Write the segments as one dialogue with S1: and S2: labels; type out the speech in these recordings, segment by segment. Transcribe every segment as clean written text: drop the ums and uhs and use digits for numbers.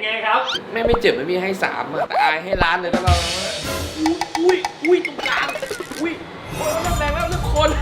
S1: ไงครับ
S2: ไม่เจ็บไม่มีให้3อะแต่อายให้ล้านเลยถ้าเราอุ้ยตรงกลางอุ้ยแรงแล้วทุกคน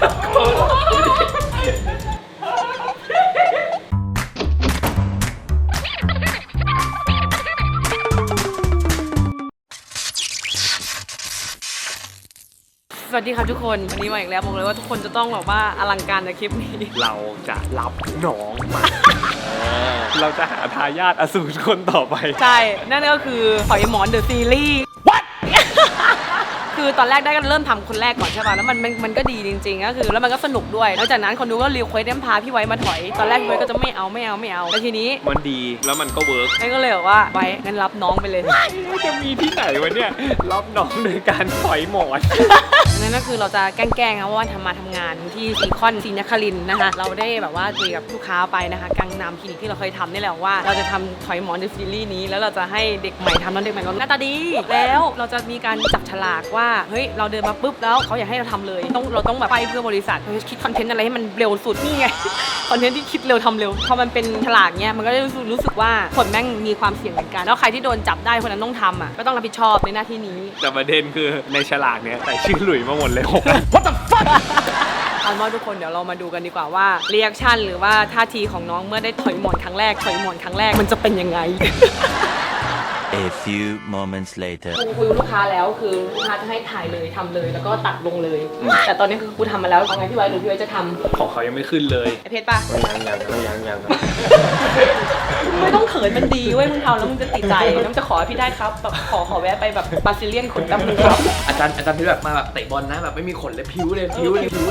S3: สวัสดีค่ะทุกคนวันนี้มาอีกแล้วบอกเลยว่าทุกคนจะต้องแบบว่าอลังการในคลิปนี้
S1: เราจะรับน้องมาเราจะหาทายาทอสูรคนต่อไป
S3: ใช่นั่นก็คือหอยหมอนเดอะซีรีส์ What คือตอนแรกได้ก็เริ่มทำคนแรกก่อนใช่ป่ะแล้วมันก็ดีจริงๆก็คือแล้วมันก็สนุกด้วยแล้วจากนั้นคนดูก็รีเควสต์พาพี่ไว้มาถอยตอนแรกพี่ไว้ก็จะไม่เอาแล้วทีนี้
S1: มันดีแล้วมันก็เวิร์ก
S3: นั่นก็เลยบอกว่าไว้งั้นรับน้องไปเลย
S1: จะมีที่ไหนวะเนี่ยรับน้องโดยการถอยหมอน
S3: นั่นก็คือเราจะแกล้งๆนะว่าทำงานที่ซีคอนศรีนครินทร์นะคะเราได้แบบว่าคุยกับลูกค้าไปนะคะกังนามคลินิกที่เราเคยทำนี่แหละว่าเราจะทำถอยหมอนในซีรีส์นี้แล้วเราจะให้เด็กใหม่ทำแล้วเด็กใหม่ก็หน้าตาดีแล้วเราจะมีการจับฉลากว่าเฮ้ยเราเดินมาปุ๊บแล้วเขาอยากให้เราทำเลยเราต้องแบบไปเพื่อบริษัทเราจะคิดคอนเทนต์อะไรให้มันเร็วสุดนี่ไงคอนเทนต์ที่คิดเร็วทำเร็วพอมันเป็นฉลากเนี้ยมันก็ได้รู้สึกว่าคนแม่งมีความเสี่ยงเหมือนกันแล้วใครที่โดนจับได้คนนั้นต้องทำอ่ะก็ต้องรับผิดชอบในหน้าที่นี้
S1: แต่ประเด็นคือในฉลากเนี้ยใส่ชื่อหลุยมาหมดเลย
S3: What the fuck เอาว่าทุกคนเดี๋ยวเรามาดูกันดีกว่าว่ารีแอคชั่นหรือว่าท่าทีของน้องเมื่อได้ถอยหมอนครั้งแรกมันจะเป็นยังไง
S4: A few moments later
S3: กูคุยกับลูกค้าแล้วคือลูกค้าจะให้ถ่ายเลยทำเลยแล้วก็ตัดลงเลยแต่ตอนนี้คือกูทำมาแล้วเอาไงพี่ไว้หรือพี่ไว้จะทำ
S1: ของเขายังไม่ขึ้นเลย
S3: ไอเพชรป่ะ
S2: ยัง
S3: ไม่ต้องเขินมันดีเว้ยมึงทำแล้วมึงจะติดใจน้ำจะขอพี่ได้ครับแบบขอแวะไปแบบบาซิเลียนขนดำมือครับ
S2: อาจารย์ที่แบบมาแบบเตะบอลนะแบบไม่มีขนเลยผิวเลยนะ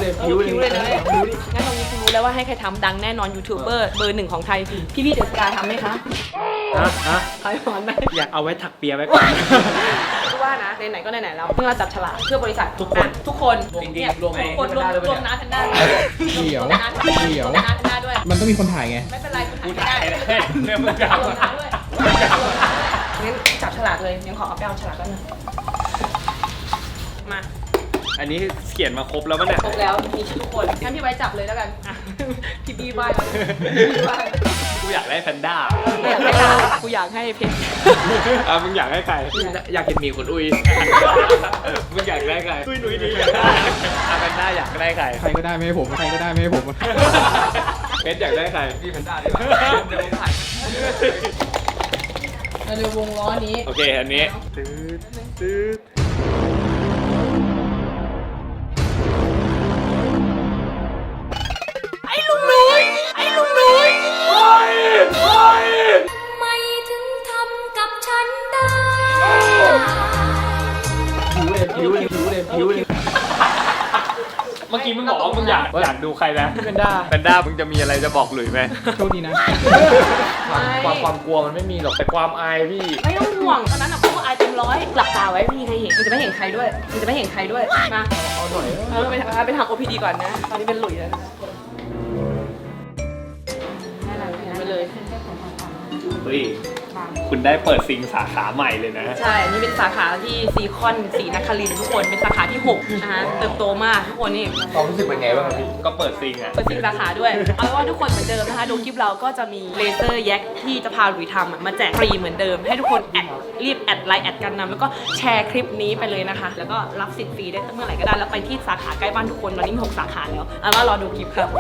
S3: งั้นตรงนี้คุณรู้แล้วว่าให้ใครทำดังแน่นอนยูทูบเบอร์เบอร์ 1ของไทยพี่เดอะสกาทำไหมคะถอยหมอนไหม
S1: อยากเอาไว้ถักเปียไว้ก่อน
S3: ว่านะไหนๆก็ไหนๆแล้วเพิ่งเราจับฉลากเพื่อบริษัททุกคน
S2: จริงๆรวม
S3: น้าทันด้า
S5: เดี๋ยว
S3: น้าทันด้าด้วย
S5: มันต้องมีคนถ่ายไง
S3: ไม่เป็นไร
S1: กูถ่ายได้เนี่ยมึงจะเอา
S3: ด้วยงั้นจับฉลากเลยยังขอเอาไปเอาฉลากกันนะมา
S1: อันนี้เขียนมาครบแล้วมั้ยเนี่ย
S3: ครบแล้วมีชื่อทุกคนงั้นพี่ไว้จับเลยแล้วกันพี่บีบ้าย
S1: กูอยากได้แพนด้า
S3: กูอยากให้เพชร
S1: มึงอยากให้ใคร
S2: อยากเห็นมีคนอุ้ย
S1: มึงอยากได้ใครอุ้ยหนุ่ยดีแพนด้าอยากได้ใคร
S5: ใครก็ได้ไม่ให้ผมเพชร
S1: อยากได้ใคร
S2: พี่แพนด้าดีกว่าเดี๋ยวผมถ่าย
S3: เราดูวงล้อนี้
S1: โอเคอันนี้ตืด
S3: ไอ้ลุงนุ้ย
S6: ไม่ถึงทำกับฉันได้
S2: ผิวเลย
S1: เมื่อกี้มึงบอกว่ามึงอยากดูใครนะแพนด้ามึงจะมีอะไรจะบอกหลุยไหม
S5: โชคดีนะ
S2: ความกลัวมันไม่มีหรอกแต่ความอายพี่
S3: ไม่ต้องห่วงตอนนั้นอะพวกอายเต็มร้อยหลับตาไว้ไม่มีใครเห็นมันจะไม่เห็นใครด้วยมา
S2: เอาหน่อย
S3: ไปทำ OPD ก่อนนะตอนนี้เป็นหลุยแล้วไปเลย
S1: เฮ้ยคุณได้เปิดซิงสาขาใหม่เลยนะ
S3: ใช่นี่เป็นสาขาที่ซีคอนศรีนครินทร์ทุกคนเป็นสาขาที่6นะคะเติบโตมากทุกคนนี่
S2: ความรู้สึกเป็นไงบ้างครับพี่
S1: ก็เปิดซิง
S3: สาขาด้วยเอาเป็นว่าทุกคนเหมือนเดิมนะคะดูคลิปเราก็จะมีเลเซอร์แยกที่จะพาหลุยทำมาแจกฟรีเหมือนเดิมให้ทุกคนรีบแอดไลน์แอดกันนำแล้วก็แชร์คลิปนี้ไปเลยนะคะแล้วก็รับสิทธิ์ฟรีได้เมื่อไหร่ก็ได้แล้วไปที่สาขาใกล้บ้านทุกคนตอนนี้มี6สาขาแล้วเอาว่ารอดูคลิปครับ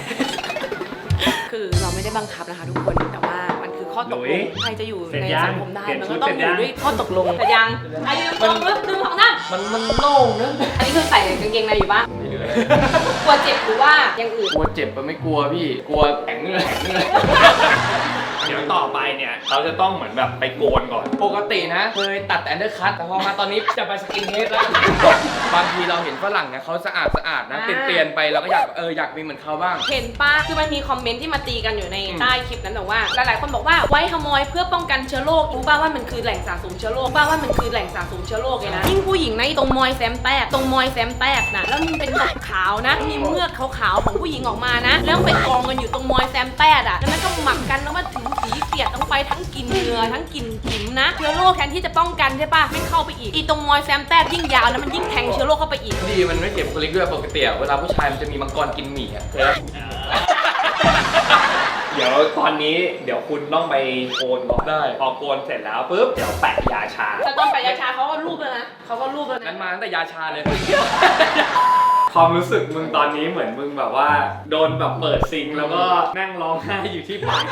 S3: คือเราไม่ได้บังคับนะคะทุกคนแต่ว่ามันคือข้อตกลงใครจะอยู่ในสังคมได้มันก็ต้องอยู่ด้วยข้อตกลงแต่ยังไอ้ดึงของนั่น
S2: มันโล่งเนอะ
S3: อันนี้คือใส่กางเกงในอยู่ปะกลัวเจ็บหรือว่าอย่างอื่น
S2: กลัวเจ็บมันไม่กลัวพี่กลัวแข็งเลย
S1: เดี๋ยวต่อไปเนี่ยเราจะต้องเหมือนแบบไปโกนก่อน
S2: ปกตินะเคยตัดแต่อันเดอร์คัทแต่พอมาตอนนี้จะไปสกินเฮดแล้วบางทีเราเห็นฝรั่งเนี่ยเขาสะอาดนะเปลี่ยนไปเราก็อยากมีเหมือนเขาบ้าง
S3: เห็นป้าคือมันมีคอมเมนต์ที่มาตีกันอยู่ในใต้คลิปนั้นแต่ว่าหลายๆคนบอกว่าไว้ขโมยเพื่อป้องกันเชื้อโรครู้ป่าว่ามันคือแหล่งสะสมเชื้อโรคเลยนะยิ่งผู้หญิงนะตรงมอยแซมแตกนะแล้วมันเป็นขาวนะมีเมือกขาวๆของผู้หญิงออกมานะแล้วไปกองกันอยู่ตรงมอยแซมแตกอ่ะแล้วมันก็หมักกันแล้วมาถึงสีเสียดต้องไปทั้งกินเนื้อทั้งกินขิมนะเชื้อโรคแทนที่จะป้องกันใช่ป่ะไม่เข้าไปอีกตรงมอยแซมแตกยิ่งยาวแล้วมันยิ่งแทงเชื้อโรคเข้าไปอีก
S2: ดีมันไม่เจ็บคลิกด้วยปกติเวลาผู้ชายมันจะมีมังกรกินหมี่อ่ะ
S1: เดี๋ยวตอนนี้เดี๋ยวคุณต้องไปโกนก่อน
S2: ได้
S1: พอโกนเสร็จแล้วปุ๊บเดี๋ยวแปะยาชา
S3: แต่ตอนไปยาชาเขาก็รูปเลยนะเขาก็รูปเลย
S2: งั้
S3: นะ
S2: นมาตั้งแต่ยาชาเลย
S1: ความรู้สึกมึงตอนนี้เหมือนมึงแบบว่าโดนแบบเปิดซิงค์แล้วก็นั่งร้องไห้อยู่ที่ปาก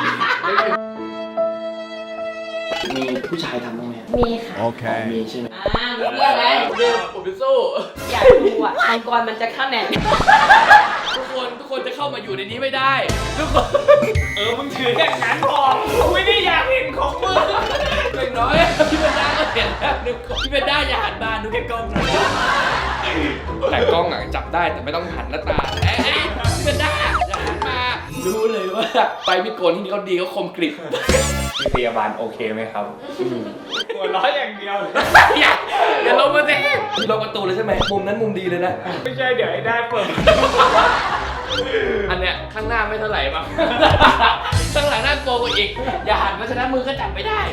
S2: มีผู้ชายทำบ้างไหม
S6: มีค่ะ
S2: มีใช่ไหม
S3: มีเรื่องแล้ว
S2: ผมไปสู้
S3: อยากดูอ่ะมังกรมันจะเข้าแหน่
S2: ทุกคนจะเข้ามาอยู่ในนี้ไม่ได้ ทุกคน
S1: มึงถืออย่างนั้นพอกูไม่ได้อยากเห็นของมึง
S2: อย่างน้อยพี่เบนด้าก็เห็นแล้วนึกพี่เบนด้าอย่าหันมาดูแค่กล้องหน่อยแต่กล้องอ่ะจับได้แต่ไม่ต้องหันหน้าตาพี่เบนด้าอย่าหันมารู้เลยว่าไปมิดโกนที่นี่เขาดีเขาคมกริบ
S1: พยาบาลโอเคไหมครับหัวเราะอย่างเดียวเลย
S2: อย่าลงมาสิพี่ล็อกประตูเลยใช่ไหมมุมนั้นมุมดีเลยนะ
S1: ไม่ใช่เดี๋ยวไอ้ได้เปิด
S2: อันเนี้ยข้างหน้าไม่เท่าไหร่ป่ะ ข้างหลังน่ากลัวกว่าอีก อย่าหันมาฉะนั้นมือก็จับไม่ได้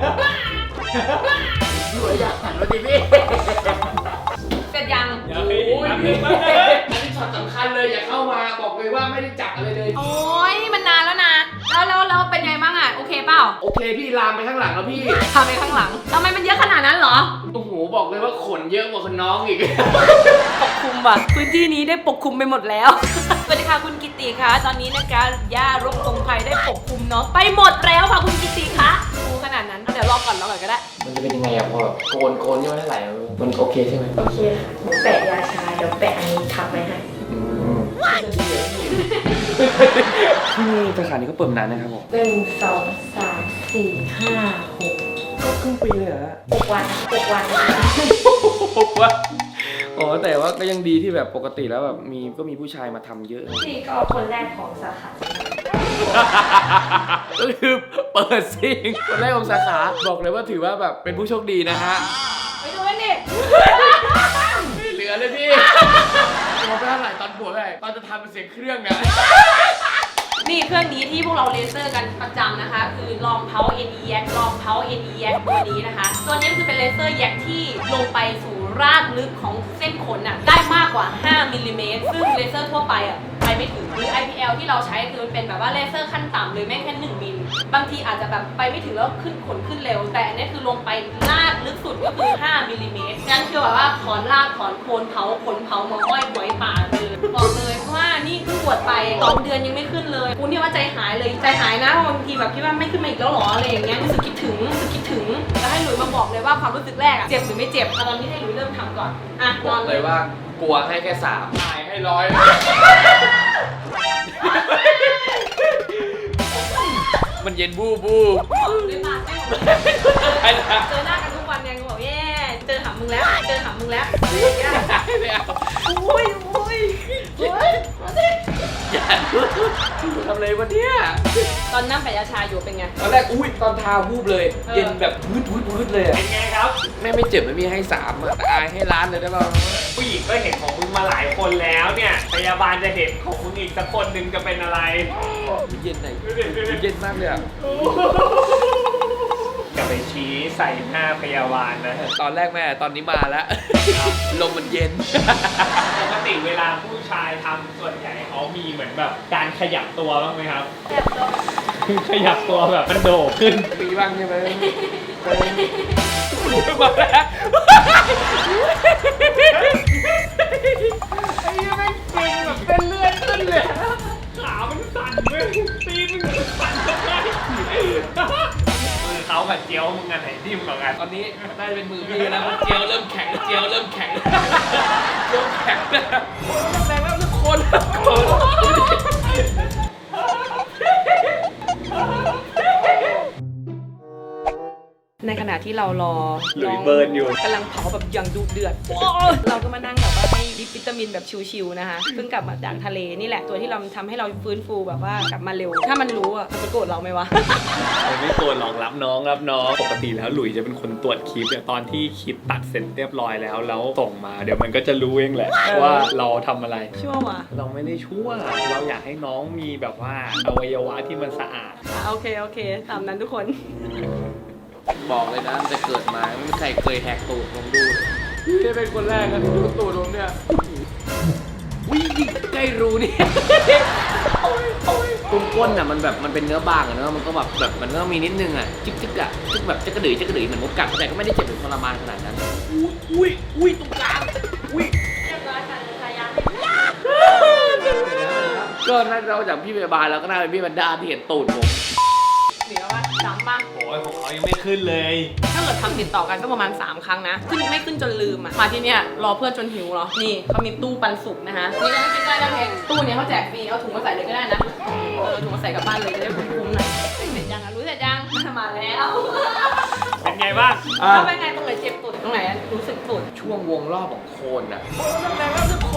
S2: พี่อย่าหันมาดิพี่
S3: เสร็จยัง
S1: อย่าไป
S2: โอ้ย
S1: อย่าไป
S2: พี่
S1: มา
S2: อันนี้ช็อตสำคัญเลยอย่าเข้ามาบอกเลยว่าไม่ได้จับอะไรเลย
S3: โอ้ยมันนานแล้วนะแล้วเป็นไงบ้างอ่ะโอเคเปล่า
S2: โอเคพี่ลามไปข้างหลังแล้วพี่
S3: ทำไปข้างหลังทำไมมันเยอะขนาดนั้นเหรอ
S2: โอ้โหบอกเลยว่าขนเยอะกว่าคนน้องอีก
S3: ปกคลุมว่ะพื้นที่นี้ได้ปกคลุมไปหมดแล้ว สวัสดีค่ะคุณกิติคะตอนนี้นะคะย่ารกตรงภัยได้ปกคลุมเนาะไปหมดแล้วค่ะคุณกิติคะดูขนาดนั้นเดี๋ยวรอก่อนก็ได้
S2: มันจะเป็นยังไงอะพอแบบโกนยังไม่เท่าไหร่มันโอเคใช่ไหม
S6: โอเคค่ะแปะยาชา เดี๋ยวแปะอันนี้ทับไว้ให้
S2: ที่นี่สาขานี้ก็เปิดนานนะครับผม
S6: 1 2 3 4 5 6
S2: ก็ครึ่งปีเลยเหรอ
S6: 6 วัน6 วัน
S2: ว่าอ๋อแต่ว่าก็ยังดีที่แบบปกติแล้วแบบก็มีผู้ชายมาทำเยอะ
S6: พี่ก็คนแรกของสาขา
S2: ก็คือเปิดซิงคนแรกของสาขาบอกเลยว่าถือว่าแบบเป็นผู้โชคดีนะฮะ
S3: ไปดูกันดิ
S2: ไม่เหลือเลยพี่มองไปเท่าไหร่ตอนบวกเท่าไหร่ตอนจะทำเป็นเสียงเครื่องอะ
S3: นี่เครื่องนี้ที่พวกเราเลเซอร์กันประจำนะคะ คือลองเพา NE Yak ลองเพา NE Yak ตัวนี้นะคะ ตัวนี้คือเป็นเลเซอร์แยกที่ลงไปสู่รากลึกของเส้นขนน่ะได้มากกว่า 5 มิลลิเมตร ซึ่งเลเซอร์ทั่วไปอ่ะไปไม่ถึงหรือ IPL ที่เราใช้คือมันเป็นแบบว่าเลเซอร์ขั้นต่ำเลยแม่งแค่1มิลบางทีอาจจะแบบไปไม่ถึงแล้วขึ้นขนขึ้นเร็ว แต่อันนี้คือลงไปรากลึกสุดก็คือ 5 มิลลิเมตรงั้นคือแบบว่าถอนรากถอนโคนเผาขนเผามาห้อยไว้ป่าเลยบอกเลยว่านี่เพิ่งบวชไป2 เดือนยังไม่ขึ้นเลยกูเนี่ยว่าใจหายเลยใจหายนะบางทีแบบคิดว่าไม่ขึ้นมาอีกแล้วหรออะไรอย่างเงี้ยรู้สึกคิดถึงแล้วให้หลุยมาบอกเลยว่าความรู้สึกแรกอะเจ็บหรือไม่เจ็บตอนนี้ให้หลุยเริ่มทำก่อนอ่ะ
S2: บ
S3: น
S2: อ
S3: อก น
S2: เลยว่ากลัวให้แค่3ตายให้100มันเย็นบูบู
S3: เลยมาให้หมด
S2: ไอ้นะ
S3: เจอหน้ากันทุกวันยังบอกแย่เจอหามึงแล้ว
S2: ไม่เอา
S3: อุ้ย
S2: อย่าทำอะไรวะเนี่ย
S3: ตอนนั่งแปะยาชาอยู่เป็นไง
S2: ตอนแรกอุ้ยตอนทาวูบเลย เย็นแบบวืดเลยอะ
S1: เป็นไงครับ
S2: แม่ไม่เจ็บไม่มีให้3อะแต่อายให้ล้านเลยได้ป่ะ
S1: ผู้หญิงก็เห็นของมึงมาหลายคนแล้วเนี่ยพยาบาลจะเห็นของมึงอีกสักคนหนึ่งจะเป็นอะไร
S2: เย็นไหนเย็นมากเลยอะ
S1: จะไปชี้ใส่หน้าพยาบาลนะ
S2: ตอนแรกแม่ตอนนี้มาแล้ว ลมมันเย็น
S1: ปกติเวลาผู้ชายทำส่วนใหญ่เขามีเหมือนแบบการขยับตัวบ้างไหมครับ ขยับตัวแบบมันโดดขึ้น
S2: มีบ้างใช่ไหมมาแล้ว
S1: ไอ้ยังแม่งเก่งแบบเป็นเลือดขึ้นเลยขามันสั่นเว้ยตีนมันสั่นทำไมมือเขากับเจียวมึงอันไหนที่มึงกว่ากัน
S2: ตอนนี้น่าจะเป็นมือพี่แล้วเจียวเริ่มแข็งเจียวเริ่มแข็งแล้วแรงแล้วทุกคน
S3: ในขณะที่เรารอ
S1: หลุยเบิร์นอยู่
S3: กำลังเผาแบบอย่างดุเดือดเราก็มานั่งแบบว่าให้ดิปวิตามินแบบชิวๆนะคะเพิ่งกลับมาจากทะเลนี่แหละตัวที่เราทำให้เราฟื้นฟูแบบว่ากลับมาเร็ว ถ้ามันรู้อ่ะมันจะโกรธเราไหมวะ
S1: ไม่โกรธหรอกรับน้องปกติแล้วหลุยจะเป็นคนตรวจคลิปเนี่ยตอนที่คลิปตัดเสร็จเรียบร้อยแล้วส่งมาเดี๋ยวมันก็จะรู้เองแหละว่าเราทำอะไร
S3: ชั่ววะ
S1: เราไม่ได้ชั่วเราอยากให้น้องมีแบบว่าอวัยวะที่มันสะอาด
S3: โอเคตามนั้นทุกคน
S2: บอกเลยนะจะเกิดมาไม่มีใครเคยแหกตูดลองดูนี่เป็นคนแรกนะที่ดูตูดลงเนี่ยวิ่งใกล้รูนี่ตรงก้นอ่ะมันแบบมันเป็นเนื้อบางอ่ะเนอะมันก็แบบมันก็มีนิดนึงอ่ะจึ๊กอ่ะจึ๊กแบบจะกระดือเหมือนมดกัดแต่ก็ไม่ได้เจ็บหรือทรมานขนาดนั้นอุ้ยตรงกลางอุ้ย
S3: เรียบร้อยค่ะพยายาม
S2: ก็น่าจะเอาจากพี่พยาบาลแล้วก็น่าเป็นพี่บรรดาที่เห็นตูดผม
S3: เหลือว่าจำป่ะ
S1: โอ้ยของเขายังไม่ขึ้นเลย
S3: ถ้าเกิดทำติดต่อกันก็ประมาณ 3 ครั้งนะ ขึ้นไม่ขึ้นจนลืมอ่ะ มาที่เนี่ยรอเพื่อนจนหิวเหรอ นี่เขามีตู้ปันสุกนะคะ นี่ก็ไม่กินได้นะเพงตู้เนี้ยเขาแจกฟรี เอาถุงมาใส่เลยก็ได้นะ เอาถุงมาใส่กลับบ้านเลยจะได้คุ้มๆหน่อยเสร็จยังอ่ะรู้เสร็จยังมาแล้ว
S1: เป็นไงบ้าง
S3: ถ้าเป็นไงตรงไหนเจ็บสุดตรงไหนรู้สึกสุด
S2: ช่วงวงรอบของโคนอ่ะ
S3: นั่นแหละก็คือคน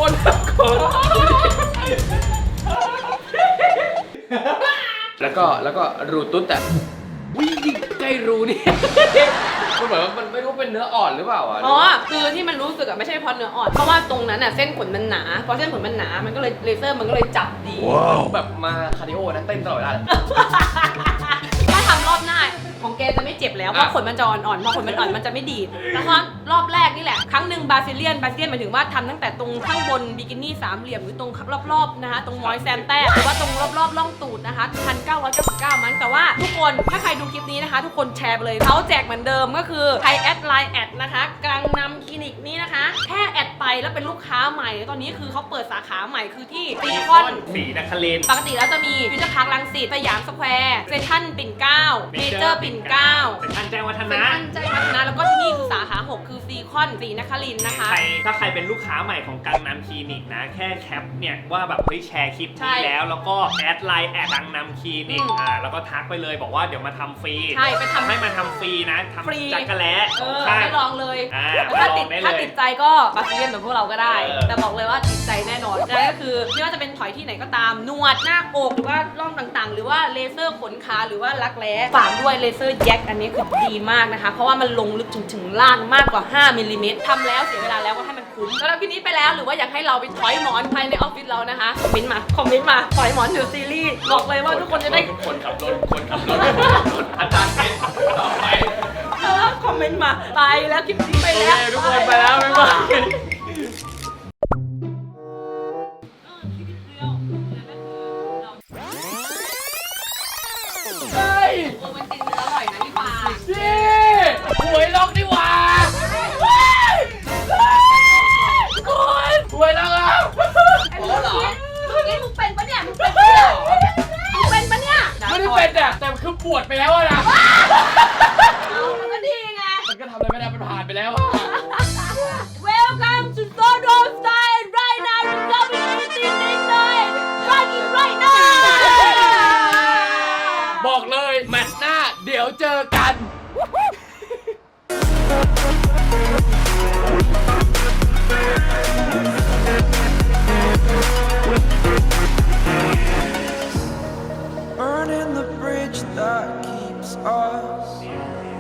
S2: แล้วก็รูตุ๊ดอ่ะวิ่งใกล้รูนี่ มันเหมือนมันไม่รู้เป็นเนื้ออ่อนหรือเปล่าอ่ะ
S3: อ๋อ คือที่มันรู้สึกอะไม่ใช่เพราะเนื้ออ่อน เพราะว่าตรงนั้นอะเส้นขนมันหนา พอเส้นขนมันหนา มันก็เลยเลเซอร์มันก็เลยจับดี
S2: แบบมาคาร์ดิโอนะเต้นตลอดเวลา
S3: ถ้าทำรอบหน้าของแกจะไม่เจ็บแล้วเพราะขนมันจะอ่อนๆพอขนมันอ่อนมันจะไม่ดีดแล้วก็รอบแรกนี่แหละครั้งหนึ่งบาซิเลียนหมายถึงว่าทำตั้งแต่ตรงข้างบนบิกินี่สามเหลี่ยมหรือตรงรอบๆนะคะตรงมอยแซมแต้หรือว่าตรงรอบๆร่องตูดนะคะ1,999 มันแต่ว่าทุกคนถ้าใครดูคลิปนี้นะคะ ทุกคนแชร์ไปเลยเขาแจกเหมือนเดิมก็คือใครแอดไลน์แอดนะคะกังนำคลินิกนี้นะคะแค่แอดไปแล้วเป็นลูกค้าใหม่ตอนนี้คือเขาเปิดสาขาใหม่คือที่ซีคอน
S1: สีนครินทร์
S3: ปกติแล้วจะมีฟิวเจอร์พาร์ครังสิตสยามสแควร์เซ็นทรัลปิ่นเกล้าเมเจอร์ปิ่นเกล้า
S1: เป็นท่านแจ้งวัฒ
S3: เซ็น
S1: นะ
S3: ทรัลใจวัฒนะแล้วก็ที่นี่คือสาขา 6 คือซีคอนศรีนครินทร์นะคะ
S1: ถ้าใครเป็นลูกค้าใหม่ของกังนำคลินิกนะ แค่แคปเนี่ยว่าแบบเฮ้ยแชร์คลิป
S3: ใช่
S1: นี้แล้วก็แอดไลน์แอดกังนำคลินิกแล้วก็ทักไปเลยบอกว่าเดี๋ยวมาทำฟรี
S3: ใช่ไปทำ
S1: ให้มาทำฟรีนะทำ
S3: ฟรี
S1: จักรแล้
S3: ให้ลองเลย
S1: แล้ว
S3: ถ้า
S1: ล
S3: ติ
S1: อ
S3: ด
S1: งได้
S3: ถ้า
S1: เลย
S3: ติดใจก็บาซิเลียนเหมือนพวกเราก็ได้
S1: เออ
S3: แต่บอกเลยว่าติดใจแน่นอนนั่นก็คือไม่ว่าจะเป็นถอยที่ไหนก็ตามหนวดหน้าอกหรือว่าร่องต่างๆ หรือว่าเลเซอร์ขนขาหรือว่ารักแร้ฝากด้วยเลเซอร์แยกอันนี้คือดีมากนะคะ เพราะว่ามันลงลึกถึงล่างมากกว่า 5 มิลลิเมตรทำแล้วเสียเวลาแล้วก็ให้มันคุ้มแล้วพี่นี้ไปแล้วหรือว่าอยากให้เราไปถอยหมอนภายในออฟฟิศเรานะคะคอมเมนต์มาถอยหมอนเดี๋ยวซีรีส์บอกเลยว่าทุกคนจะได้
S2: คนขับรถอาจารย์เป็นต่อไป
S3: คอมเมนต์มาไปแล้วคลิปนี้ไปแล้ว
S2: ทุกคนไปแล้วบ๊ายบาย เฮ้ย
S3: มันติดอร่อยนะพี่ปา
S2: นี่หวยล็อกดีกว่าคุณหวยล็อกอ่ะโอ้เหรอ
S3: เมื่อกี้มึงเป็นปะเนี่ยมึงเป็นปะเนี่ยมึงเป็นปะเนี่ย
S2: ไม่ได้เป็นอ่ะแต่คือปวดไปแล้วอะนะ
S3: เอามันก็ดีไง
S2: มันก็ทำอะไรไม่ได้มันผ่านไปแล้วอ่ะ
S3: Welcome to Sodo Style right now you're coming anything this night right it right now
S2: บอกเลยแมตช์หน้าเดี๋ยวเจอกัน
S7: Burning the bridge that keeps us